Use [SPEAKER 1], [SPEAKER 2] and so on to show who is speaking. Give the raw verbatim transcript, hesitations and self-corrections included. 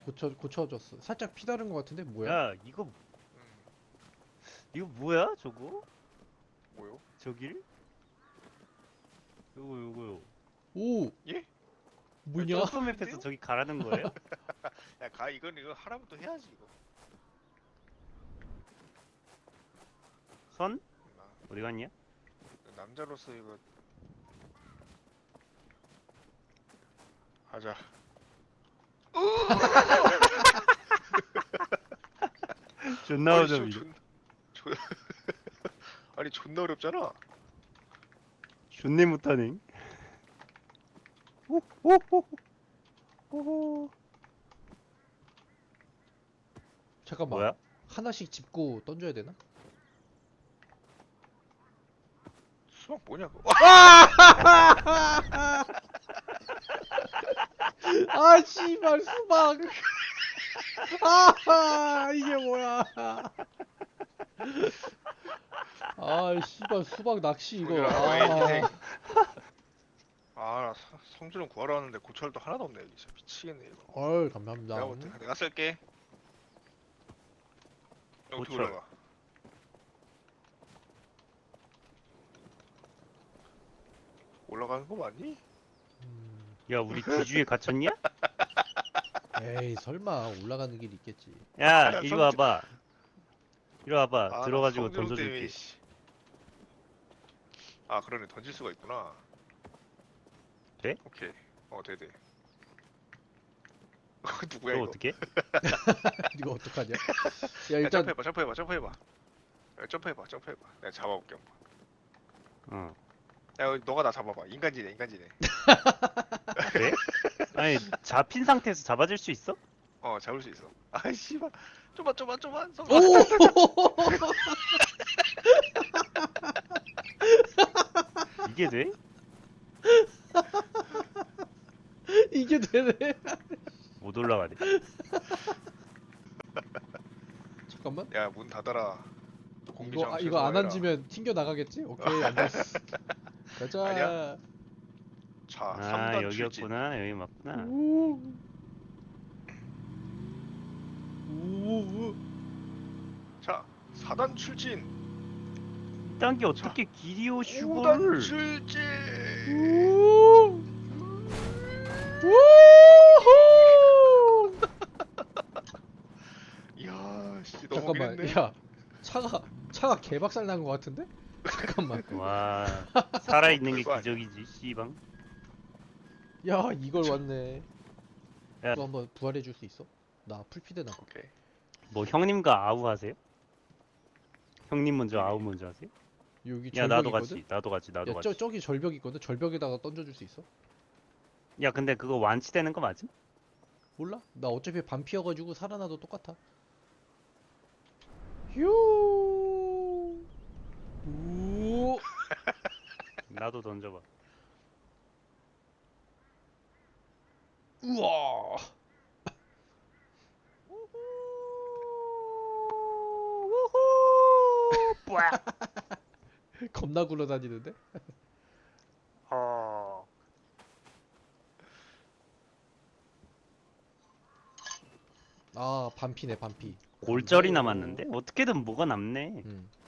[SPEAKER 1] 고쳐 고쳐졌어. 살짝 피 다른 것 같은데 뭐야?
[SPEAKER 2] 야 이거
[SPEAKER 3] 음,
[SPEAKER 2] 이거 뭐야 저거?
[SPEAKER 3] 뭐요?
[SPEAKER 2] 저길? 요거 요거요.
[SPEAKER 1] 오
[SPEAKER 3] 예?
[SPEAKER 1] 뭐냐?
[SPEAKER 3] 저-
[SPEAKER 2] 점프맵에서 저기 가라는 거예요?
[SPEAKER 3] 야, 가 이건 이거 하라면 또 해야지 이거.
[SPEAKER 2] 선?
[SPEAKER 3] 나,
[SPEAKER 2] 어디 갔냐?
[SPEAKER 3] 남자로서 이거 하자.
[SPEAKER 2] 존나
[SPEAKER 3] 아니,
[SPEAKER 2] 어려워.
[SPEAKER 3] 저- 존, 존, 아니 존나 어렵잖아.
[SPEAKER 2] 존내 못하네. 오오오오.
[SPEAKER 1] 잠깐만.
[SPEAKER 2] 뭐야?
[SPEAKER 1] 하나씩 짚고 던져야 되나?
[SPEAKER 3] 수박 뭐냐고.
[SPEAKER 1] 아 씨발 수박. 아 이게 뭐야? 아 씨발 수박 낚시 이거.
[SPEAKER 3] 성준아,
[SPEAKER 1] 아,
[SPEAKER 3] 아, 나 성- 성준은 구하러 왔는데 고철도 하나도 없네. 여기 진짜 미치겠네 이거.
[SPEAKER 1] 헐 감사합니다.
[SPEAKER 3] 내가 못해. 내가 쓸게. 어떻게
[SPEAKER 2] 고철.
[SPEAKER 3] 올라가? 올라가는 거 맞니?
[SPEAKER 1] 음,
[SPEAKER 2] 야 우리 뒤주에 갇혔냐?
[SPEAKER 1] 에이 설마 올라가는 길 있겠지.
[SPEAKER 2] 야
[SPEAKER 3] 야,
[SPEAKER 2] 이리
[SPEAKER 3] 성주-
[SPEAKER 2] 와봐. 이리 와봐.
[SPEAKER 3] 아, 나
[SPEAKER 2] 들어가지고
[SPEAKER 3] 성준호 때문에,
[SPEAKER 2] 던져줄게.
[SPEAKER 3] 씨. 아, 그러네. 던질 수가 있구나.
[SPEAKER 2] 돼?
[SPEAKER 3] 오케이. 어, 돼, 돼. 누구야
[SPEAKER 2] 너
[SPEAKER 3] 이거?
[SPEAKER 2] 어떻게?
[SPEAKER 1] 이거 어떡하냐? 야
[SPEAKER 3] 야,
[SPEAKER 1] 일단
[SPEAKER 3] 점프해봐, 점프해봐, 점프해봐. 야, 점프해봐, 점프해봐. 내가 잡아볼게 한번.
[SPEAKER 2] 어.
[SPEAKER 3] 야, 너가 나 잡아봐. 인간지네, 인간지네.
[SPEAKER 2] 그래? 아니 잡힌 상태에서 잡아줄 수 있어?
[SPEAKER 3] 어, 잡을 수 있어. 아, 씨발. 좀만, 좀만, 좀만. 성...
[SPEAKER 1] 오
[SPEAKER 2] 이게 돼?
[SPEAKER 1] 이게 되네.
[SPEAKER 2] 못 올라가네.
[SPEAKER 1] 잠깐만.
[SPEAKER 3] 야, 문 닫아라. 공기
[SPEAKER 1] 이거 아,
[SPEAKER 3] 정수
[SPEAKER 1] 이거 안
[SPEAKER 3] 해라.
[SPEAKER 1] 앉으면 튕겨 나가겠지? 오케이 앉았어. 가자.
[SPEAKER 3] 아니야? 자,
[SPEAKER 2] 아
[SPEAKER 3] 삼 단 출진.
[SPEAKER 2] 여기였구나. 여기 맞구나.
[SPEAKER 1] 우. 우.
[SPEAKER 3] 자, 사 단 출진.
[SPEAKER 2] 이딴 게 어떻게 기리오
[SPEAKER 3] 오 단
[SPEAKER 2] 슈거를?
[SPEAKER 3] 출진.
[SPEAKER 1] 우. 우.
[SPEAKER 3] 이야, 씨, 너무
[SPEAKER 1] 잠깐만.
[SPEAKER 3] 길네.
[SPEAKER 1] 야. 차가 차가 개박살 난 것 같은데? 잠깐만.
[SPEAKER 2] 와 살아있는 게
[SPEAKER 3] 그거 아니야.
[SPEAKER 2] 기적이지 씨방.
[SPEAKER 1] 야, 이걸 왔네.
[SPEAKER 2] 야.
[SPEAKER 1] 또 한번 부활해 줄 수 있어? 나 풀피드 나.
[SPEAKER 3] 오케이.
[SPEAKER 2] 뭐 형님과 아우 하세요? 형님 먼저 아우 먼저 하세요?
[SPEAKER 1] 여기
[SPEAKER 2] 야
[SPEAKER 1] 절벽
[SPEAKER 2] 나도
[SPEAKER 1] 있거든.
[SPEAKER 2] 같이 나도 같이 나도
[SPEAKER 1] 야,
[SPEAKER 2] 같이.
[SPEAKER 1] 저 저기 절벽 있거든. 절벽에다가 던져 줄 수 있어?
[SPEAKER 2] 야 근데 그거 완치되는 거 맞음?
[SPEAKER 1] 몰라? 나 어차피 반피여 가지고 살아나도 똑같아. 휴. 우.
[SPEAKER 2] 나도 던져봐.
[SPEAKER 1] 우와. 겁나 굴러다니는데?
[SPEAKER 3] 어.
[SPEAKER 1] 아, 반피네, 반피.
[SPEAKER 2] 골절이
[SPEAKER 1] 오.
[SPEAKER 2] 남았는데 어떻게든 뭐가 남네.
[SPEAKER 1] 음.